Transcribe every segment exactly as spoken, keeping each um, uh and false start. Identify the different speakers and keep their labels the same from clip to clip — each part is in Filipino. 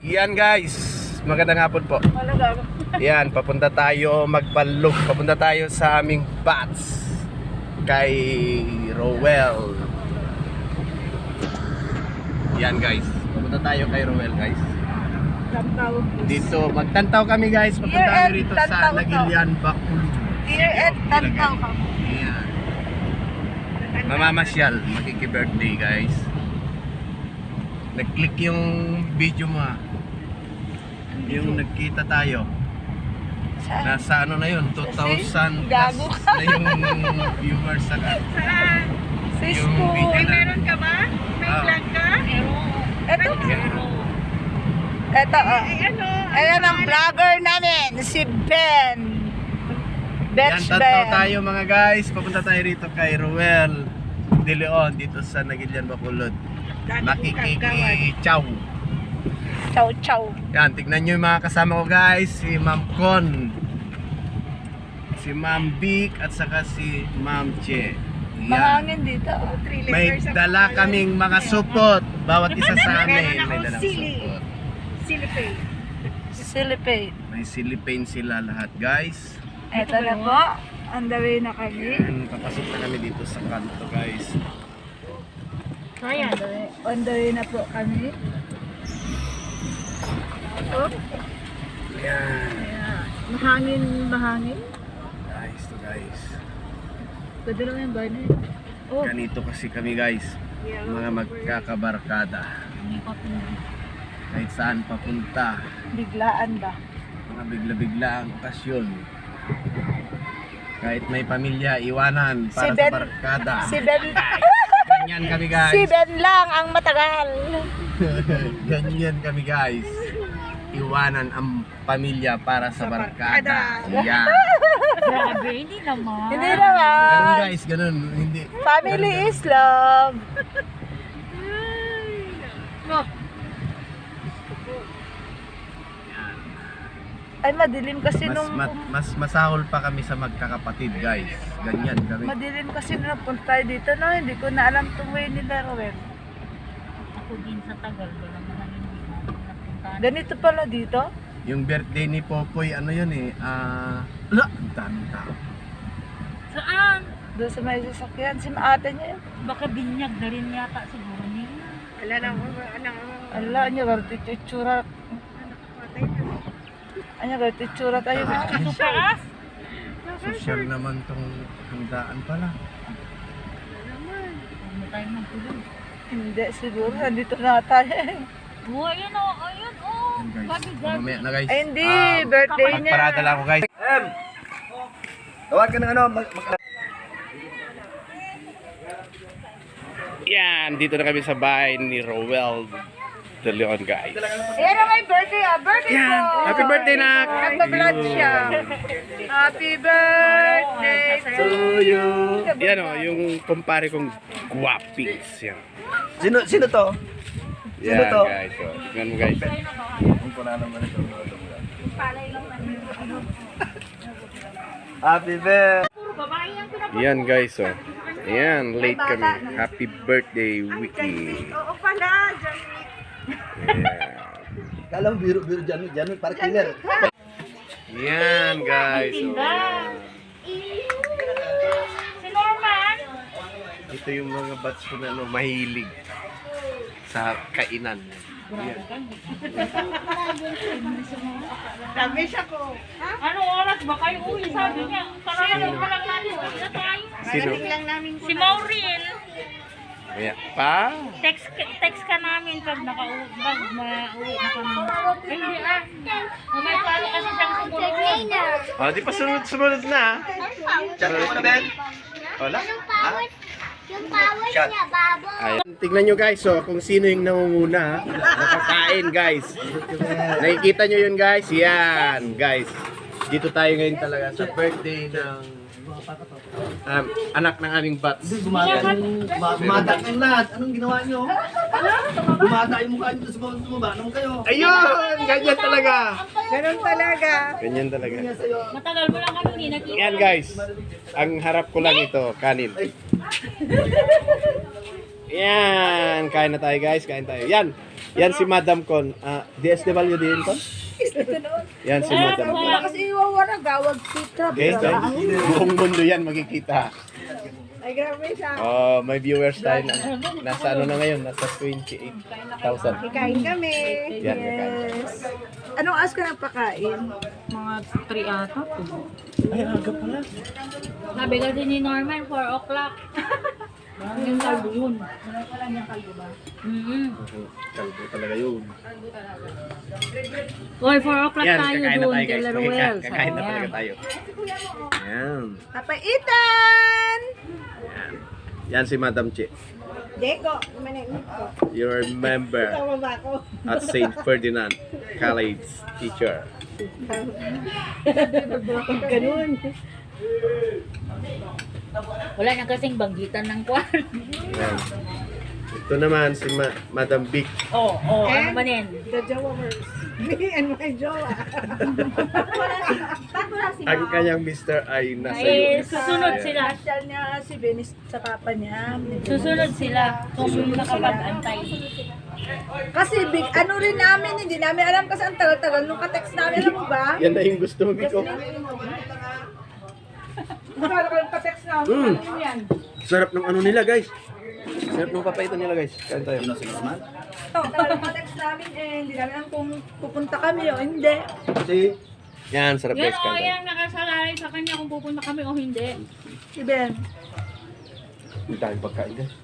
Speaker 1: Yan guys, magandang hapon po. Yan, papunta tayo magbalog. Papunta tayo sa aming bats kay Rowell. Yan guys, papunta tayo kay Rowell guys. Dito, magtantaw kami guys. Papunta kami rito sa Nagilian, Bacolod.
Speaker 2: Here at Tantaw ka.
Speaker 1: Yan. Mamamasyal, makiki-birthday guys. Nag-click yung video mo ah. Yung nagkita tayo. Nasa ano na yun, two thousand plus na yung viewers sa ka.
Speaker 2: Cisco.
Speaker 3: May meron ka ba? May
Speaker 1: Ah.
Speaker 3: vlog ka?
Speaker 2: Ito. Ito. Oh.
Speaker 3: Ay, ano?
Speaker 2: Ayan ang vlogger namin, si Ben.
Speaker 1: Yan,
Speaker 2: Betch
Speaker 1: tantaw
Speaker 2: Ben.
Speaker 1: tayo mga guys. Papunta tayo rito kay Rowell De Leon dito sa Nagilian, Bacolod. Makiki-chow.
Speaker 2: Chow chow.
Speaker 1: Yan, tignan nyo yung mga kasama ko guys. Si Ma'am Con, si Ma'am Vic, at saka si Ma'am Che. Yan.
Speaker 2: Mahangin dito.
Speaker 1: May dala kaming mga supot. Bawat isa sa amin may dalang
Speaker 3: Sili.
Speaker 1: supot.
Speaker 3: Silipay.
Speaker 2: Silipate.
Speaker 1: May silipane sila lahat guys.
Speaker 2: Ito na po. On the way na kami.
Speaker 1: Yan, papasok na kami dito sa kanto guys.
Speaker 3: Kaya.
Speaker 2: On the way na po kami. Oh,
Speaker 1: Yan.
Speaker 2: mahangin, mahangin.
Speaker 1: Guys to guys.
Speaker 2: Pwede lang yung banner. Oh,
Speaker 1: Ganito kasi kami guys. Mga magkakabarkada. Kahit saan papunta.
Speaker 2: biglaan ba?
Speaker 1: Mga bigla-bigla ang okasyon. Kahit may pamilya, iwanan para
Speaker 2: Si
Speaker 1: sa
Speaker 2: Ben-
Speaker 1: barkada.
Speaker 2: Si Ben,
Speaker 1: Ganyan kami guys.
Speaker 2: si Ben lang ang matagal.
Speaker 1: Ganyan kami guys. Iwanan ang pamilya para sa barkada. Yan.
Speaker 3: Grabe, hindi naman.
Speaker 2: Hindi
Speaker 1: Ganun
Speaker 2: naman.
Speaker 1: guys, ganun. Hindi.
Speaker 2: Family
Speaker 1: ganun,
Speaker 2: is love.
Speaker 1: Yan.
Speaker 2: Ay, madilim kasi
Speaker 1: Mas,
Speaker 2: nung...
Speaker 1: ma- mas masahol pa kami sa magkakapatid guys. Ganyan kami.
Speaker 2: Madilim kasi nung napunta tayo dito, no? Hindi ko na alam itong way nila, Rowell.
Speaker 3: Ako din sa tagal ko naman ang hindi napuntahan.
Speaker 2: Ganito pala dito?
Speaker 1: Yung birthday ni Popoy, ano yun eh. Ah, uh, ang daming tao.
Speaker 3: Saan?
Speaker 2: Doon sa may sasakyan, si ate niya yun.
Speaker 3: Baka binyag na rin yata siguro niya. Wala na ako.
Speaker 2: Ala, niya, ganito yung itsura. Anya, ganito yung itsura tayo na.
Speaker 3: Sa taas?
Speaker 1: Social naman tong handaan pala.
Speaker 3: Huwag na tayo magtulog.
Speaker 2: Hindi, siguro, nandito na tayo.
Speaker 3: Oh, ayun o, ayun o.
Speaker 1: Yan guys.
Speaker 3: Gabi-gabi.
Speaker 1: Mamaya na guys.
Speaker 2: Ay, hindi,
Speaker 1: Ah,
Speaker 2: birthday niya.
Speaker 1: Magparada lang ako guys. Em! Tawag ka ng ano. Mag mag Yan, dito na kami sa bahay ni Rowell De Leon guys.
Speaker 2: Ayan na may birthday, ah. Birthday
Speaker 1: Yan,
Speaker 2: ko.
Speaker 1: happy birthday na.
Speaker 2: Nagpa-vlog siya. Happy birthday to you.
Speaker 1: Yan o, yung kumpare kong guwapings. Yan.
Speaker 4: Sino sino to? Sino
Speaker 1: Yan
Speaker 4: to?
Speaker 1: guys. So, tingnan mo guys.
Speaker 4: Happy birthday.
Speaker 1: Yan guys. So, yan, late kami. Happy birthday, Wiki.
Speaker 3: Oo pala, John.
Speaker 1: Yeah.
Speaker 4: Kala mo biro-biro dyan, dyan, para killer.
Speaker 1: Yan guys. So,
Speaker 3: Si Norman.
Speaker 1: ito yung mga bats ko na ano, mahilig sa kainan. Yan.
Speaker 3: Sabi siya ko. Anong oras ba kayo uwi? Sabi niya. Kararating pa lang natin. Uwi na tayo.
Speaker 1: Sino?
Speaker 3: Si Maureen.
Speaker 1: Ayan. Pa?
Speaker 3: Text text ka namin pag nakauwi pag mauwi na kami. Hindi ah. May palo kasi siyang siguro.
Speaker 1: Oh, di pa sunod-sunod na.
Speaker 4: Chat mo na, Ben.
Speaker 1: Wala?
Speaker 5: Yung power niya, babo.
Speaker 1: Ayan. Tignan nyo guys, so, kung sino yung nangunguna, nakakain guys. Nakikita nyo yun guys? Yan, guys. Dito tayo ngayon talaga sa birthday ng um, anak ng aming bats.
Speaker 4: Gumata kang lahat. Anong ginawa nyo? Gumata yung mukha nyo sa bawang tumaba. Anong kayo?
Speaker 1: Ayun! Ganyan talaga!
Speaker 2: Ganun talaga.
Speaker 1: Ganyan talaga.
Speaker 3: Matagal mo lang kami hindi nakita.
Speaker 1: Yan guys, ang harap ko lang ito, kanin. Yan, kain na tayo guys, kain tayo. Yan, yan si Madam Con. Ah, D S W din Con? Yan si Madam Con.
Speaker 2: Wala kasi iwawara, gawag kita.
Speaker 1: Okay, guys. Buong mundo yan makikita.
Speaker 2: Ay, grabe siya.
Speaker 1: Oh, may viewers tayo na. Nasa ano na ngayon? Nasa twenty-eight thousand.
Speaker 2: Kain kami.
Speaker 1: Yan, kakain.
Speaker 2: Yes. Anong oras ka nagpakain?
Speaker 3: Mga three ata po.
Speaker 1: Ay, aga pala.
Speaker 3: Sabi kasi ni Norman, four o'clock. Yung kalbo yun. Mm-hmm.
Speaker 1: Kalbo talaga yun.
Speaker 3: Or four o'clock
Speaker 1: Yan,
Speaker 3: tayo
Speaker 1: kakain na
Speaker 3: doon,
Speaker 1: tayo guys.
Speaker 3: Del
Speaker 1: Makika-
Speaker 3: Ruel.
Speaker 1: Kakain na talaga tayo. Yan.
Speaker 2: Papaitan!
Speaker 1: Yan si Madam Che.
Speaker 2: Deko, manig ko.
Speaker 1: Your member
Speaker 2: Tama ba ako?
Speaker 1: at Saint Ferdinand College teacher.
Speaker 2: Ganun.
Speaker 3: Wala na kasing banggitan ng kwan.
Speaker 1: Yan. Ito naman si Ma- Madam Vic.
Speaker 3: Oo, oh, oh, ano
Speaker 2: And
Speaker 3: ba nin?
Speaker 2: The Jowers. Me and my jowa.
Speaker 1: Ang kanyang mister ay nasa
Speaker 3: Ay,
Speaker 1: U S.
Speaker 3: susunod
Speaker 1: Ayan.
Speaker 3: sila.
Speaker 2: Asyal niya si Benis sa papa niya.
Speaker 3: Susunod sila kung nakapag-antay.
Speaker 2: Kasi big, ano rin namin, hindi namin alam kasi ang tagal-tagal nung ka-text namin, alam mo ba?
Speaker 1: Yan na yung gusto mo, Biko.
Speaker 2: Akala ko yung ka-text namin.
Speaker 1: Mm.
Speaker 2: Ano yan?
Speaker 1: Sarap ng ano nila, guys. Sarap ng papaitan nila, guys. Kain tayo.
Speaker 2: Ito, tagal ka-text namin eh, hindi namin alam kung pupunta kami o hindi.
Speaker 4: Kasi,
Speaker 1: Yan, sarap
Speaker 3: Yan
Speaker 1: guys.
Speaker 3: o,
Speaker 1: Kain tayo.
Speaker 3: yan nakasalalay sa kanya kung pupunta kami o hindi.
Speaker 2: Si Ben.
Speaker 1: Hindi tayong pagkain, guys.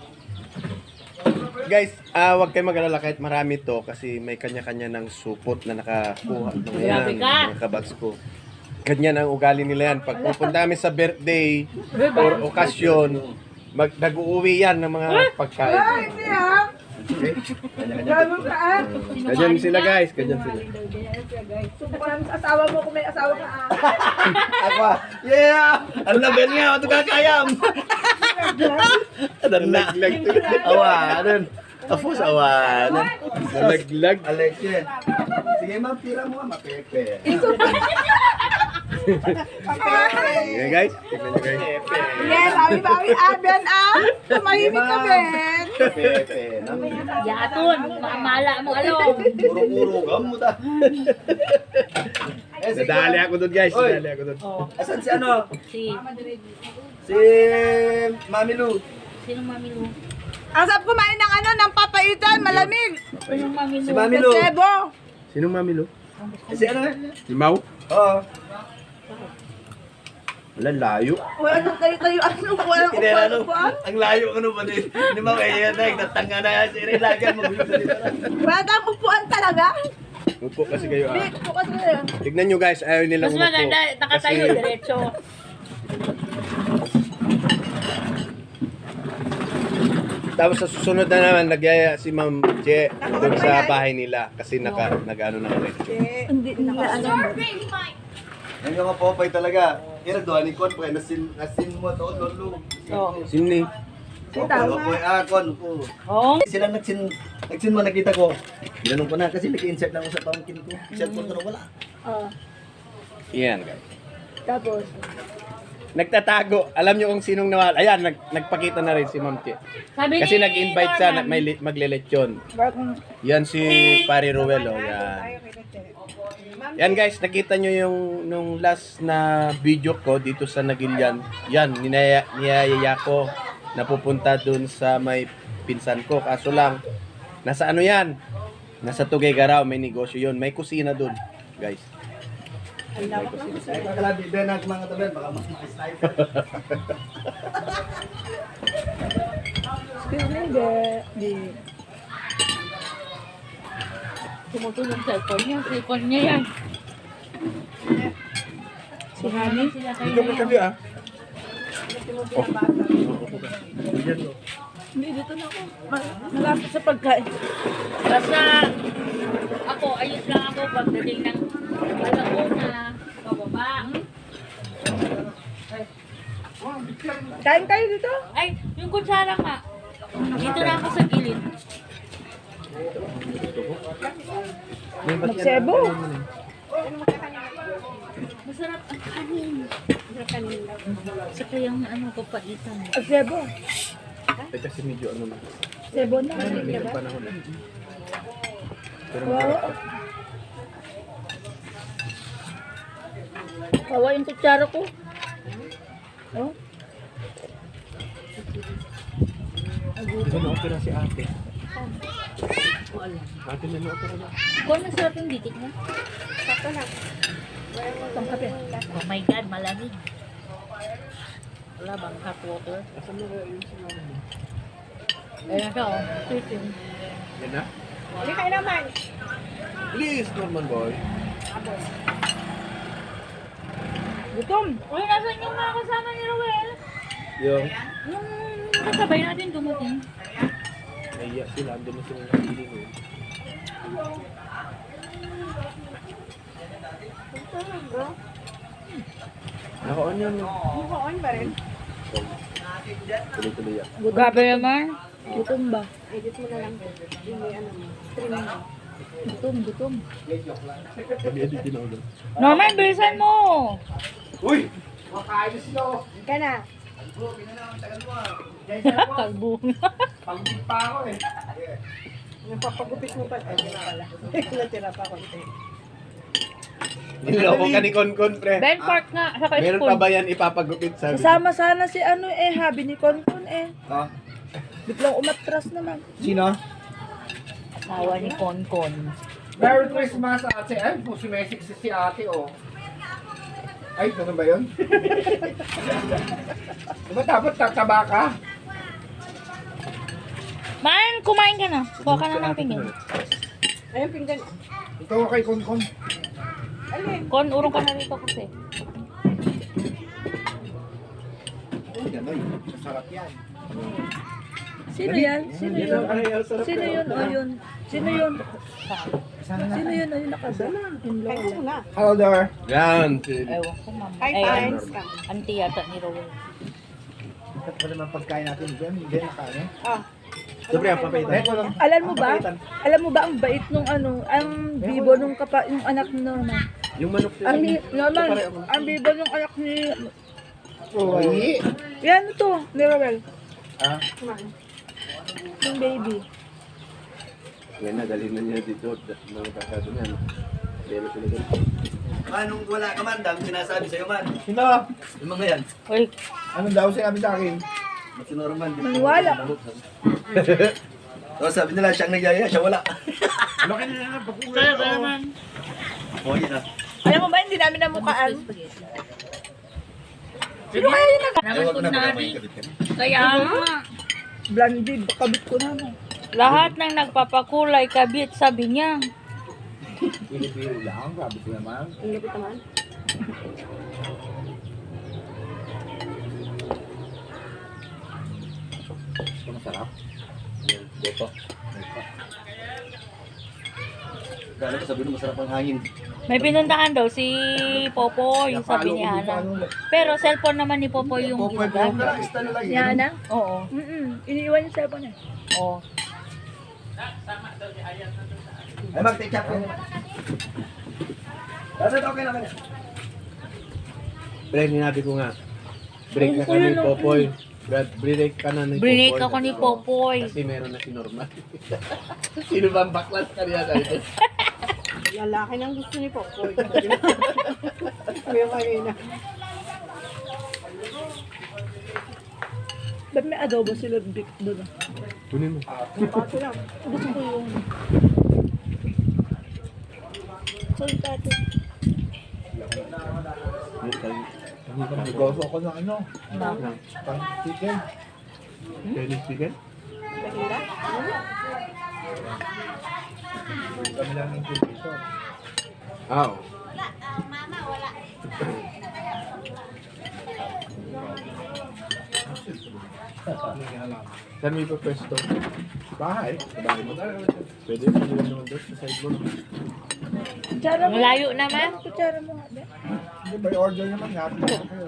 Speaker 1: Guys, ah wag kayo mag-alala kahit marami to kasi may kanya-kanya ng supot na nakakuha. Mga yan,
Speaker 3: Grabe ka.
Speaker 1: mga kabags ko. Ganyan ang ugali nila yan. Pag pupunta kami sa birthday or okasyon, mag nag-uuwi yan ng mga pagkain.
Speaker 2: Ay, hindi ah!
Speaker 1: Okay?
Speaker 2: Gano'n ka ah!
Speaker 1: Ganyan sila guys, ganyan sila.
Speaker 2: Subukan namin sa asawa mo kung may asawa ka ah.
Speaker 4: ako, yeah! Ang laban nga, ito kakayam!
Speaker 1: Nalaglag to.
Speaker 4: Awanan.
Speaker 1: Tapos awanan. Nalaglag.
Speaker 4: Alexia. Sige ma'am, tira mo nga, mapepe.
Speaker 1: Okay guys, tignan nyo guys.
Speaker 2: Yes, bawi-bawi ah, Ben ah! Tumahimik ka, Ben!
Speaker 4: Pepe.
Speaker 3: Yaton, maamala mo along.
Speaker 4: Puro-puro, gamo ta. Eh, si
Speaker 1: Nadali ako doon guys,
Speaker 4: Oy.
Speaker 1: nadali ako doon.
Speaker 3: Oh,
Speaker 4: Asan si ano?
Speaker 3: si,
Speaker 4: Si Mami Lu.
Speaker 3: sinong Mami Lu?
Speaker 2: Ang sarap kumain ng ano, ng papaitan, malamig!
Speaker 3: Sinong Mami Lu?
Speaker 4: Si Mami Lu.
Speaker 2: Sebo!
Speaker 1: Sinong mami lo?
Speaker 4: Eh, Si ano?
Speaker 1: Si Mau?
Speaker 4: Oo.
Speaker 1: Wala, layo.
Speaker 2: Wala nang kayo-kayo, ano, walang
Speaker 4: Kinera no.
Speaker 2: upuan-upuan.
Speaker 4: Ang layo ano ba din? Hindi mo kaya na, nagtatanga na yan. Sige, lagyan mo.
Speaker 2: Wala kang upuan talaga.
Speaker 1: Upo kasi kayo ah.
Speaker 2: Big, bukas na yan.
Speaker 1: Tignan nyo guys, ayaw nilang
Speaker 3: Mas
Speaker 1: umupo.
Speaker 3: maganda, nakatayo,
Speaker 1: Kasi-
Speaker 3: diretso.
Speaker 1: Tapos sa susunod na naman, nagyaya si Ma'am Je doon sa bahay nila kasi naka, nag-ano na ulit.
Speaker 2: Hindi na ano.
Speaker 4: Yan yung kapopay talaga. Kira doon ni Kon po, nasin, nasin mo to, lolo.
Speaker 3: Oh.
Speaker 1: Sini?
Speaker 4: Popay, popay, ah, Kon po.
Speaker 3: Oh.
Speaker 4: Sila nagsin, nagsin mo, nakita ko. Ginanong ko na kasi nag-insert na ako sa pangkin ko. Cellphone ko na wala.
Speaker 2: Oh,
Speaker 1: Yan guys.
Speaker 2: tapos.
Speaker 1: Nagtatago. Alam nyo kung sinong nawala. Ayan, nag, nagpakita na rin si Ma'am Je.
Speaker 3: Sabi
Speaker 1: Kasi
Speaker 3: ni
Speaker 1: nag-invite siya,
Speaker 3: Norman,
Speaker 1: nag, may li- maglelechon.
Speaker 2: Bakit?
Speaker 1: Yan si Pari Ruel, oh, yan. Yan guys, nakita nyo yung nung last na video ko dito sa Nagilian. Yan, ninaya, niyayaya ko na pupunta dun sa may pinsan ko. Kaso lang, nasa ano yan? Nasa Tuguegarao, may negosyo yun. May kusina dun, guys. May kusina.
Speaker 4: Ay, kakalabi, Ben, ang mga tabi, baka mas makasniper.
Speaker 2: Excuse me, de. Di.
Speaker 3: tumutulong sa cellphone niya. Cellphone niya yan.
Speaker 2: Si Honey.
Speaker 3: Sila kayo
Speaker 1: Dito
Speaker 3: na
Speaker 1: ka
Speaker 3: yan.
Speaker 1: tabi ah.
Speaker 2: Hindi, dito na ako. Ma- Malapit sa pagkain.
Speaker 3: Basta ako, ayos lang ako pagdating ng alauna, pababa.
Speaker 2: Kain kayo dito?
Speaker 3: Ay, yung kutsara nga. Dito na ako sa gilid.
Speaker 2: Magsebo.
Speaker 3: Masarap ang kanin. Masarap kanin. Saka yung ano, papaitan.
Speaker 2: Magsebo.
Speaker 1: Eh, kasi medyo ano na.
Speaker 2: Sebon na.
Speaker 1: Hindi na panahon na. Pero
Speaker 2: Wow.
Speaker 1: masarap pa.
Speaker 2: Kawa yung kutsara ko. Oh.
Speaker 1: Ito na opera si ate. Ate na na-opera na.
Speaker 3: Kung masarap yung ditik niya.
Speaker 2: Itong kape.
Speaker 3: Oh my God, malamig. Wala bang hot water?
Speaker 1: Asan mo kaya yung sinama mo?
Speaker 3: Ayan siya, oh. Sweet yun.
Speaker 1: Yan na?
Speaker 2: Hindi kayo naman.
Speaker 1: Please, Norman boy.
Speaker 2: Gutom.
Speaker 3: Uy, nasan yung mga kasama ni Roel?
Speaker 1: Yung,
Speaker 3: Yung kasabay natin dumating.
Speaker 1: naiya sila. Andun na sila nakili mo. Naka-on yun.
Speaker 2: Mukhaan pa rin.
Speaker 1: Tuloy-tuloy yan.
Speaker 3: Grabe naman.
Speaker 2: Gutom ba? Edit mo na lang. Yung may ano mo. Stream mo. Gutom, gutom.
Speaker 1: Pag-edit din ako doon.
Speaker 3: Norman, bilisan mo!
Speaker 1: Uy!
Speaker 2: Ka na.
Speaker 3: Kalbo.
Speaker 2: Yung papagupit mo pa. Ay, yun pala. Natira pa ko.
Speaker 1: Niloko ka ni Konkon, pre.
Speaker 3: Ben Park nga, saka
Speaker 1: Meron
Speaker 3: spoon.
Speaker 1: pa ba yan ipapagupit sabi?
Speaker 2: Kasama sana si ano eh, habi ni Konkon eh.
Speaker 4: Ha?
Speaker 2: Biglang umatras naman.
Speaker 4: Sino?
Speaker 3: Asawa ni Konkon.
Speaker 6: Merry Christmas, ate. Ay, po si Messi si, si ate, oh. Ay, ganun ba yun? Diba dapat tataba ka?
Speaker 3: Man, kumain ka na. Kuha ka na ng pinggan.
Speaker 2: Ayun, pinggan.
Speaker 6: Ikaw kay Konkon.
Speaker 3: Kon, urong ka na rito kasi.
Speaker 4: Ay, gano'n.
Speaker 6: Masarap yan.
Speaker 2: Sino yan? Sino yun? Sino yun? O yun? Sino yun? Sino yun? O yun nakasala? Yung na.
Speaker 6: Hello there.
Speaker 1: Yan.
Speaker 3: Ewan ko, mama.
Speaker 2: Hi,
Speaker 3: Ay,
Speaker 2: friends.
Speaker 3: auntie yata ni Roel.
Speaker 6: Ikat pa naman pagkain natin. Diyan, hindi na kain.
Speaker 1: Siyempre, ang papaitan.
Speaker 6: Eko lang.
Speaker 2: Alam mo ba? Alam mo ba ang bait nung ano, ang bibo nung kapa, yung anak ni Norman.
Speaker 1: Yung manok
Speaker 2: Ang bi- Norman, ang bibo nung anak ni,
Speaker 6: Uy.
Speaker 2: yan to, ni Roel.
Speaker 6: Ah,
Speaker 2: Yung baby.
Speaker 1: Yan na, dalhin na niya dito. Mga kakado niya. Pero sila doon.
Speaker 4: Manong wala ka man, dami sinasabi sa'yo man.
Speaker 6: sino?
Speaker 4: Yung mga yan.
Speaker 3: Uy,
Speaker 6: Anong daw sinabi sa akin?
Speaker 4: Si Norman.
Speaker 2: Maniwala.
Speaker 4: So sabi nila, siyang nagyaya, siya wala.
Speaker 6: Laki na lang.
Speaker 3: kaya ka naman.
Speaker 4: O yun ah.
Speaker 2: Alam mo ba, hindi namin namukaan. Sino kaya yun?
Speaker 3: Naman
Speaker 4: Ewan ko
Speaker 3: ko
Speaker 4: na
Speaker 3: na
Speaker 4: ba
Speaker 3: di.
Speaker 4: kabit ka?
Speaker 3: Kaya nga.
Speaker 2: Blondie, kabit ko naman.
Speaker 3: Lahat ng nagpapakulay kabit, sabi niya.
Speaker 6: Pilipino lang. Sabi ko naman.
Speaker 2: Ang lupit naman.
Speaker 6: Ito masarap.
Speaker 1: Dito.
Speaker 4: Kala ko sabi nung masarap ang hangin.
Speaker 3: May pinuntahan daw si Popoy, sabi ni Hana. Pero cellphone naman ni Popoy yung
Speaker 4: Popoy ko yung
Speaker 3: ginagamit.
Speaker 4: nakista nila
Speaker 2: Si
Speaker 4: yun.
Speaker 2: Hana?
Speaker 3: Oo.
Speaker 2: Mm-mm. Iniiwan yung cellphone niya.
Speaker 3: Oo.
Speaker 4: Ay, mag-take up ko. Basta okay naman yan.
Speaker 1: Pre, ninabi ko nga. Break na ka ni Popoy. Brad, break ka na ni Popoy.
Speaker 3: Break ako ni Popoy.
Speaker 1: Kasi meron na si Norman. Sino ba ang baklas kaniya dito?
Speaker 2: Lalaki nang gusto ni Popoy. Kuya kayo na. Ba't may adobo sila Vic doon? ah?
Speaker 1: Kunin mo.
Speaker 2: Pato lang. Gusto ko yung... Sorry, tato.
Speaker 6: Nagoso ko ng ano. Pang chicken.
Speaker 1: Chinese chicken?
Speaker 6: Kami lang ng piso.
Speaker 1: Ah, oo. Saan may pwesto?
Speaker 6: Bahay.
Speaker 1: Sa bahay mo. Pwede mo nila naman doon sa side mo. no?
Speaker 2: Kutsara mo.
Speaker 3: Malayo naman.
Speaker 2: Kutsara mo nga. be.
Speaker 6: Hindi ba order naman nga? Kayo.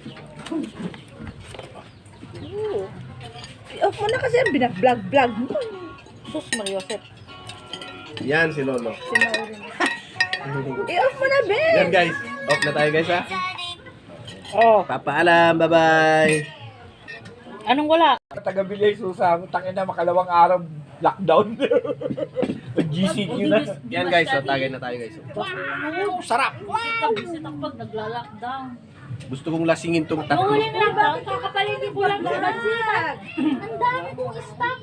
Speaker 2: Oo. I-off mo na kasi ang binag-vlog-vlog mo.
Speaker 3: Sus, Mariosep.
Speaker 1: Yan si Lolo.
Speaker 2: Sinaurin. I-off mo na, be!
Speaker 1: Yan guys. Off na tayo guys ha.
Speaker 2: Oh.
Speaker 1: Papaalam. Bye-bye.
Speaker 3: Anong wala?
Speaker 6: taga-Bilay Susa. Tangin na makalawang araw lockdown. G C Q na.
Speaker 1: Yan guys, so tagay na tayo guys.
Speaker 6: Wow, sarap.
Speaker 3: Bisit ang pag nagla-lockdown.
Speaker 1: Gusto kong lasingin tong tatlo.
Speaker 3: Mahuli na lang ba? Kakapaligid ko lang sa bansitan.
Speaker 5: Ang dami kong stock.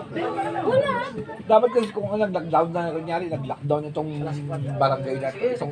Speaker 6: Dapat kasi kung nag-lockdown na, kunyari, nag-lockdown itong barangay natin, itong